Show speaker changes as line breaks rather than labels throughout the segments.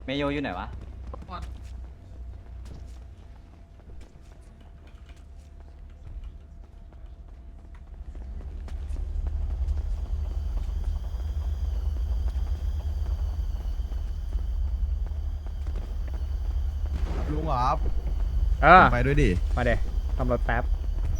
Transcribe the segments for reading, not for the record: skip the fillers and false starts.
เมโยอยู่ไหนวะ
ลุงเหรอครับ
เออ
ไปด้วยดิ
มาเดี๋ยวทำรถแป๊บ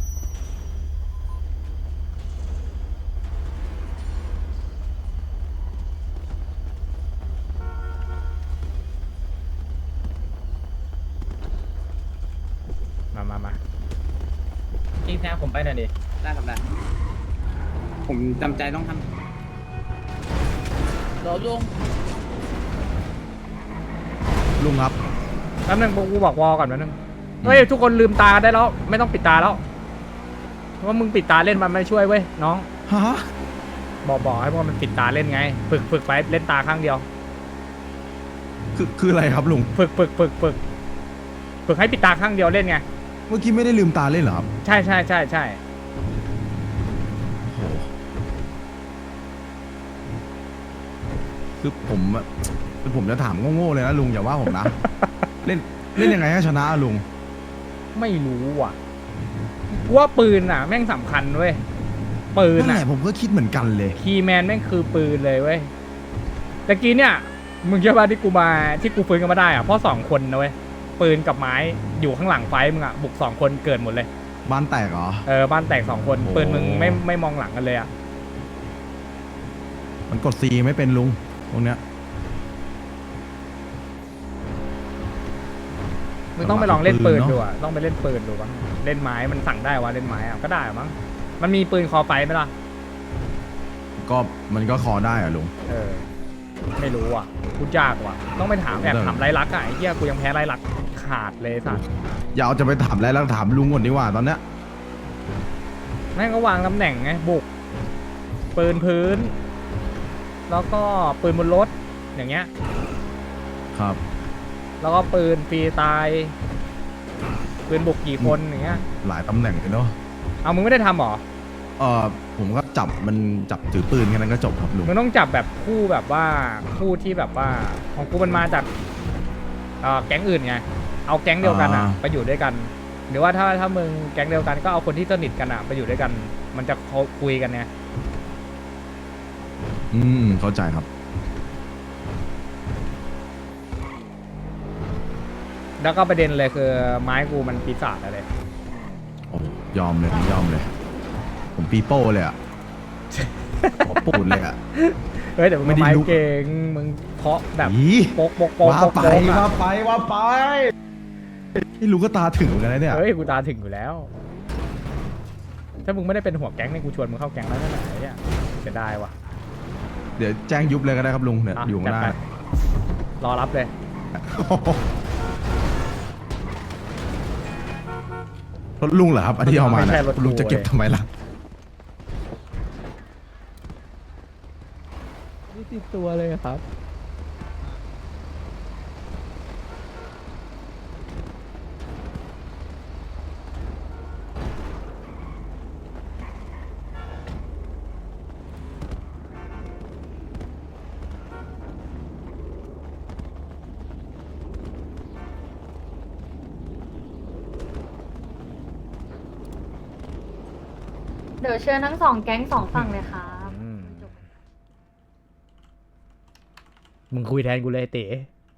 มา
พี่แพ้ผมไปหน่อยดิได้ครับได้ผมจำใจต้องทำรอลุง
ลุงครับ
แป๊บนึงกูบอกวอก่อนแป๊บนึงเฮ้ยทุกคนลืมตาได้แล้วไม่ต้องปิดตาแล้วเพราะว่ามึงปิดตาเล่นมันไม่ช่วยเว้ยน้อง
ฮะ
บอกให้พวกมันปิดตาเล่นไงฝึกไปเล่นตาข้างเดียว
คืออะไรครับลุง
ฝึกให้ปิดตาข้างเดียวเล่นไง
เมื่อกี้ไม่ได้ลืมตาเล่นเหรอครับ
ใช่
โอ้โหคือผมจะถามโง่ๆเลยนะลุงอย่าว่าผมนะ เล่นยังไงให้ชนะอะลุง
ไม่รู้ว่ะกูว่าปืนอ่ะแม่งสำคัญเว้ยปืน
นั่นแห
อ่ะ
ละผมก็คิดเหมือนกันเลย
คีย์แมนแม่งคือปืนเลยเว้ยตะกี้เนี่ยมึงเชื่อป่ะที่กูฟื้นกันมาได้อ่ะเพราะ2 คนนะเว้ยปืนกับไม้อยู่ข้างหลังไฟมึงอ่ะบุก2 คนเกิดหมดเลย
บ้านแตกเหรอ
บ้านแตก2 คน
โอ้
ปืนมึงไม่มองหลังกันเลยอ่ะ
มันกดซีไม่เป็นลุงตรงเนี้ย
มึงต้องไปลองเล่นปืน
ปืนเนอะ
ดูอ่ะต้องไปเล่นปืนดูบ้างเล่นไม้มันสั่งได้วะเล่นไม้อ่ะก็ได้มั้งมันมีปืนคอไฟไหมล่ะ
ก็มันก็คอได้อะลุง
ไม่รู้อ่ะพูดยากว่ะต้องไปถามถามไรลักษณ์อ่ะไอ้เหี้ยกูยังแพ้ไรลักษณ์ขาดเลยสัส
อย่าเอาจะไปถามแล้วถามลุงก่อนดีกว่าตอนเนี้ย
แม่งก็วางตำแหน่งไงบุกปืนพื้น แล้วก็ปืนบนรถอย่างเงี้ย
ครับ
แล้วก็ปืนฟรีตายปืนบุกกี่คนอย่างเงี้ย
หลายตำแหน่งเลยเนาะ
เอามึงไม่ได้ทำหรอ
ผมก็จับถือปืนแค่นั้นก็จบครับลุง
มึงต้องจับแบบคู่แบบว่าคู่ที่แบบว่าของกูมันมาจากแก๊งอื่นไงเอาแก๊งเดียวกันอ่ะไปอยู่ด้วยกัน หรือว่าถ้ามึงแก๊งเดียวกันก็เอาคนที่สนิทกันอ่ะไปอยู่ด้วยกัน มันจะคุยกันไง
เข้าใจครับ
แล้วก็ประเด็นเลยคือไม้กูมันปีศาจอะไร
โอ้ยอมเลย ผมปีโป้เลยอ่ะ ผมปูดเลยอ่ะ
เฮ้ยแต่มึง
ไม่ได้
ไม้
ลุก
เก่งมึงเคาะแบบ
อี
โปก
ว่าไปไม่รู้ก็ตาถึงเหมือนกันนะเนี่ย
เฮ้ยกูตาถึงอยู่แล้ว ถ้ามึงไม่ได้เป็นหัวแก๊งเนี่ยกูชวนมึงเข้าแก๊งแล้วนั่นแหละไอ้เนี่ยจะได้ว่ะ
เดี๋ยวแจ้งยุบเลยก็ได้ครับลุงเนี่ย
ะ
อยู่ข้างหน้า
จัดไปรอรับเลย
รถลุงเหรอครับอันที่เอามา
ไม่ใช่
นะ
รถกู
ลุงจะเก็บทำไมล่ะ
นี่ติดตัวเลยครับ
เดี๋ยวเชิญทั้ง2 แก๊ง2 ฝั่งเลยครับ
มึงคุยแทนกูเลยเต๋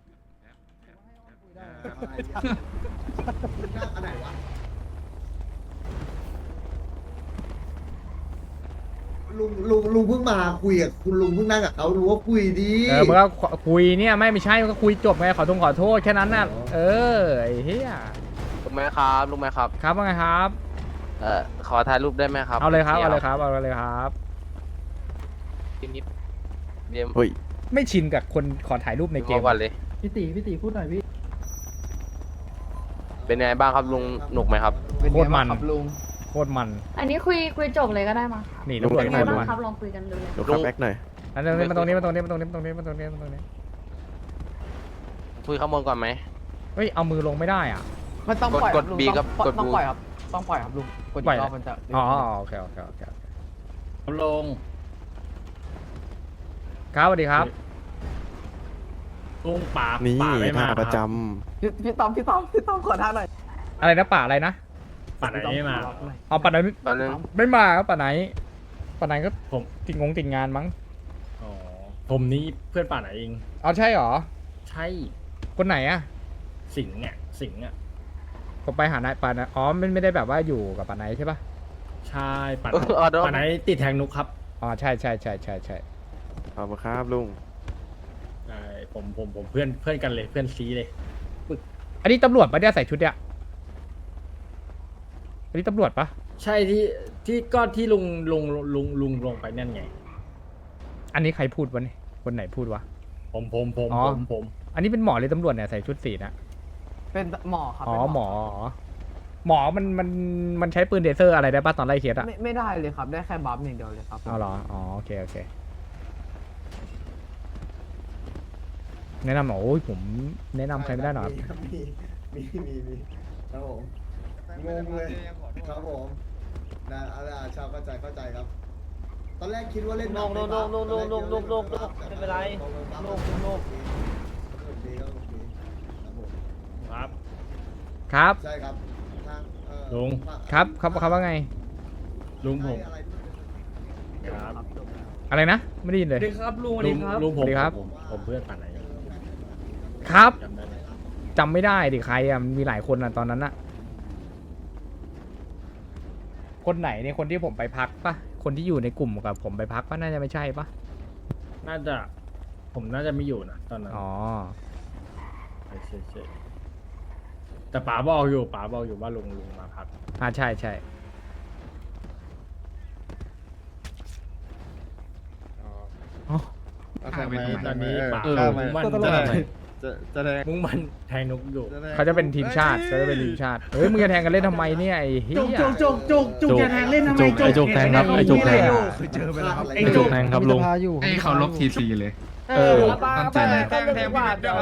ลุงเพิ่งมาคุยกับคุณลุงเพิ่งนั่งกับเขารู้ว่าคุยดี
มึงก็คุยเนี่ยไม่ใช่มึงก็คุยจบไงขอโทษแค่นั้นน่ะไอ้เหี้ย
ลุงไหมครับลุงไหมครับ
ครับว่าไงครับ
ขอถ่ายรูปได้ไหมครับ
เอาเลยครับ
ดี๋
เอา
ว
เลยครับเอาเลยครับ
นิดเดี๋ยว
เฮ้ย
ไม่ชินกับคนขอถ่ายรูปในเกม
ก่อนเลย
พี่ตีพูดหน่อยพี่
เป็นไงบ้างครับลุงหนุกไหมครับ
โคตรมัน
ครับลุง
โคตรมัน
อันนี้คุยจบเลยก็ได้มั้งครับ
นี่
ลุ
ตำ
ง
รวจ
เป็น
โค
ไง
ตร
บ้าง
มัน
ครับลองคุยกันดูเลย
ลุงแบ็กหน่อย
อันนี้มาตรงนี้มาตรงนี้มาตรงนี้มาตรงนี้มาตรงนี้มาตรงนี้
คุยข้างบนก่อนไหม
เฮ้ยเอามือลงไม่ได้อ่ะ
มันต้องปล่อย
กด
ลุง
B ครับ
ต้อง
กด
ต้อง
B
ปล่อยครับ ต้องปล่อยครับลุงกด
ปล่อย
อีกรอบมันจะ
อ๋อโอเค
ลง
ครับสวัสดีครับ
ลุงป่า
นี่
ป่าไม่มา
ท่าประจ
พี่ต้อมขอท่าหน่อย
อะไรนะป่าอะไรนะ
ป่าไหนไม่มา
เอาป่าไหน
ตอนนึง
ไม่มาครับป่าไหนก็
ผม
ติดงานมั้ง
อ๋อผมนี่เพื่อนป่าไหนเอง
เอาใช่หรอ
ใช่
คนไหนอะ
สิงห์เนี่ยสิงห์อ่ะ
ผมไปหานายป่านะอ๋อไม่ได้แบบว่าอยู่กับป่าไหนใช่ปะ
ใช่ป่า
เออเดี๋ยว
ป่าไหนติดแทงนุกครับ
อ๋อใช่
ำขอบคุณครับลุง
ใช่ผมเพื่อนกันเลยเพื่อนซีเลย
อันนี้ตำรวจปะเนี่ยใส่ชุดเนี่ยอันนี้ตำรวจปะ
ใช่ที่ก็ที่ลุงลงไปนั่นไง
อันนี้ใครพูดวะเนี่ยคนไหนพูดวะ
ผม
อ๋อ
ผม
อันนี้เป็นหมอหรือตำรวจเนี่ยใส่ชุดสีนะ
เป็นหมอครับ
อ๋อ
เป็น
หมอมันใช้ปืนเดเซอร์อะไรได้ปะตอนไล่เคสอะ
ไม่ได้เลยครับ ได้แค่บัฟอย่างเดียวเลยครับ
เอาเหรออ๋อโอเคแนะนำหน่อยโอ้ยผมแนะนำใครไม่ได้หรอกครับ
มีครับผมงงเลยครับผมนะชาวเข้าใจครับ ตอนแรกคิดว่าเล่นไม่เป็นไรดีครับ
ครับ
ครับ
ใช่ครับทาง
ลุง
ครับเขาว่าไง
ลุงผม
อะไร
ครับ
อะไรนะไม่ได้ยินเลย
ลุงผม
สวัสดีครับ
ผมเพื่อนป่าไหน
ครับ
จำได้ไหม
จำไม่ได้ดิใครอะมีหลายคนอะตอนนั้นอะคนไหนเนี่ยคนที่ผมไปพักปะคนที่อยู่ในกลุ่มกับผมไปพักปะน่าจะไม่ใช่ปะ
ผมน่าจะไม่อยู่นะตอนนั้น
อ๋อ
ใช่แต่ป๋าบอกอยู่ว่าลุงมาพัก
ใช่อ๋อ
ทำไมตอนนี้ป๋า มุ่งมั่น มุ่งมั่นแทงนกอยู่
เขาจะเป็นทีมชาติเขาจะเป็นทีมชาติเฮ้ยมึงจะแทงกันเล่นทำไมเนี่ยไอ้เหี้ย
จุกจะแทงเล่นทำไม
ไอ้จุกแทงครับไอ้จุกแทง
โอ้
เคยเจอไปแล้วครับ
ไอ้จุก
แทงครับลุง
ให้เขาลบทีซีเลย
ตั้งใจเลยแทงมั่วเลย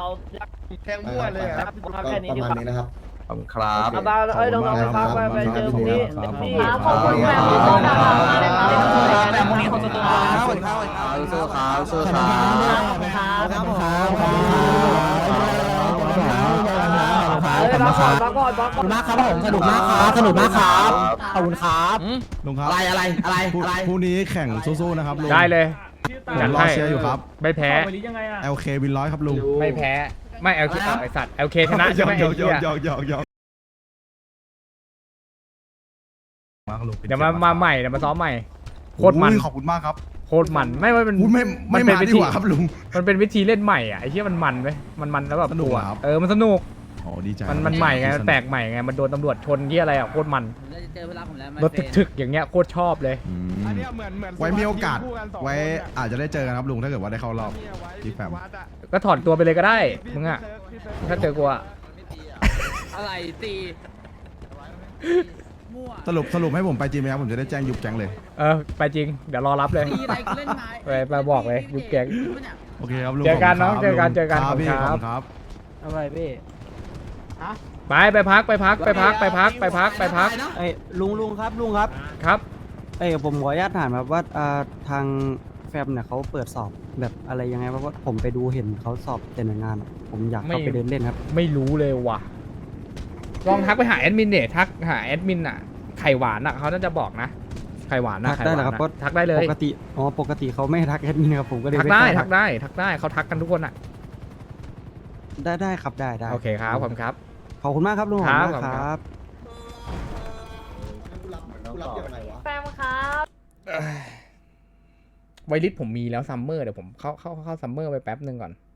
ครับ
ประมาณนี้นะครับ
ขอบคุณครับ
บ้าเอ้ยน้องๆไปพักไปเจอพรุ่งนี้
ขอบคุณแบบนี้ต้องการมากเลยครับ
แต่พรุ่งนี้เขาจะตัว
สู้ครับสู้ครับ
ครับผม
มาก่อนมาก่อน
ขอบคุณมากครับผมสนุกมากครับขอบคุณครับ
ลุงครับ
อะไร
พรุ่งนี้แข่งสู้ๆนะครับลุง
ได้เลย
ผมรอเชียร์อยู่ครับ
ไม่แพ้
LK วินร้อยครับลุง
ไม่แพ้ไม่เอลเคไอสัตว์เอลเคชนะใช่ไหม
ห
ไอ้
ย
เหี้ย
อกมากลุง
เดี๋ยวมาใหม่เดี๋ยวมาซ้อมใหม่โคตรมัน
ขอบคุณมากครับ
โคตรมันไม่ว่าเป็น
พูดไม่
มันเป็น
มา
วิ
ดี
ธี
กว่าครับลุง
มันเป็นวิธีเล่นใหม่อ่ะไอ้เหี้ยมันไหมมันแล้วแบบ
สนุกเหรอครับ
มันสนุก
โอ้ดีใจ
มันใหม่ไงมันแปลกใหม่ไงมันโดนตำรวจชนที่อะไรอ่ะโคตรมัน
เจอเวลาผมแล้ว
รถถึกๆอย่างเงี้ยโคตรชอบเลย
อืมไว้มีโอกาสไว้อาจจะได้เจอกันครับลุงถ้าเกิดว่าได้เข้ารอบที่แฟม
ก็ถอนตัวไปเลยก็ได้มึงอ่ะถ้าเจอกูอ่ะ
อะไรตีมั่ว
สรุปให้ผมไปจริงไหมครับผมจะได้แจ้งยุบแก๊งเลย
ไปจริงเดี๋ยวรอรับเลย
ตีอะไรกูเล่นไม้
ไปบอกเลยยุบแก๊ง
โอเคครับลุง
เจอกัน
ขบ
น้อง
คุณ
เจอกัน
ลุง
เจอกัน
ครับพี่
ขอบคุณ
ข
ค
อ
รั
บบ คุณครับ
อะไรพี่
ไปพักไปพัก
ไอ้ลุงครับลุงครับ
ครับ
ไอ้ยผมขออนุญาตถามครับว่าทางแฟมเนี่ยเขาเปิดสอบแบบอะไรยังไงเพราะว่าผมไปดูเห็นเขาสอบแต่หน่วยงาน ผมอยากเข้าไปเดินเล่นครับ
ไม่รู้เลยว่ะลองทักไปหาแอดมินเนี่ยทักหาแอดมินอ่ะไข่หวานอ่ะเขาน่าจะบอกนะไข่หวานนะ
ทักได้เหรอครับ
ไข่หวานอะทักได้เลย
ปกติเขาไม่ให้ทักแอดมินครับผมก็เลย
ทัก
ม่
ได้
ล้า
ทักได้เขาทักกันทุกคนอ่ะ
ได้ครับได้
โอเคครับขอบคุณครับ
ขอบคุณมากครับลุง
ครับ
ขอบคุณมากครับ
กูรับยังไงวะ
แฟมครับ
ไวลิสผมมีแล้วซัมเมอร์เดี๋ยวผมเข้าซัมเมอร์ไปแป๊บนึงก่อน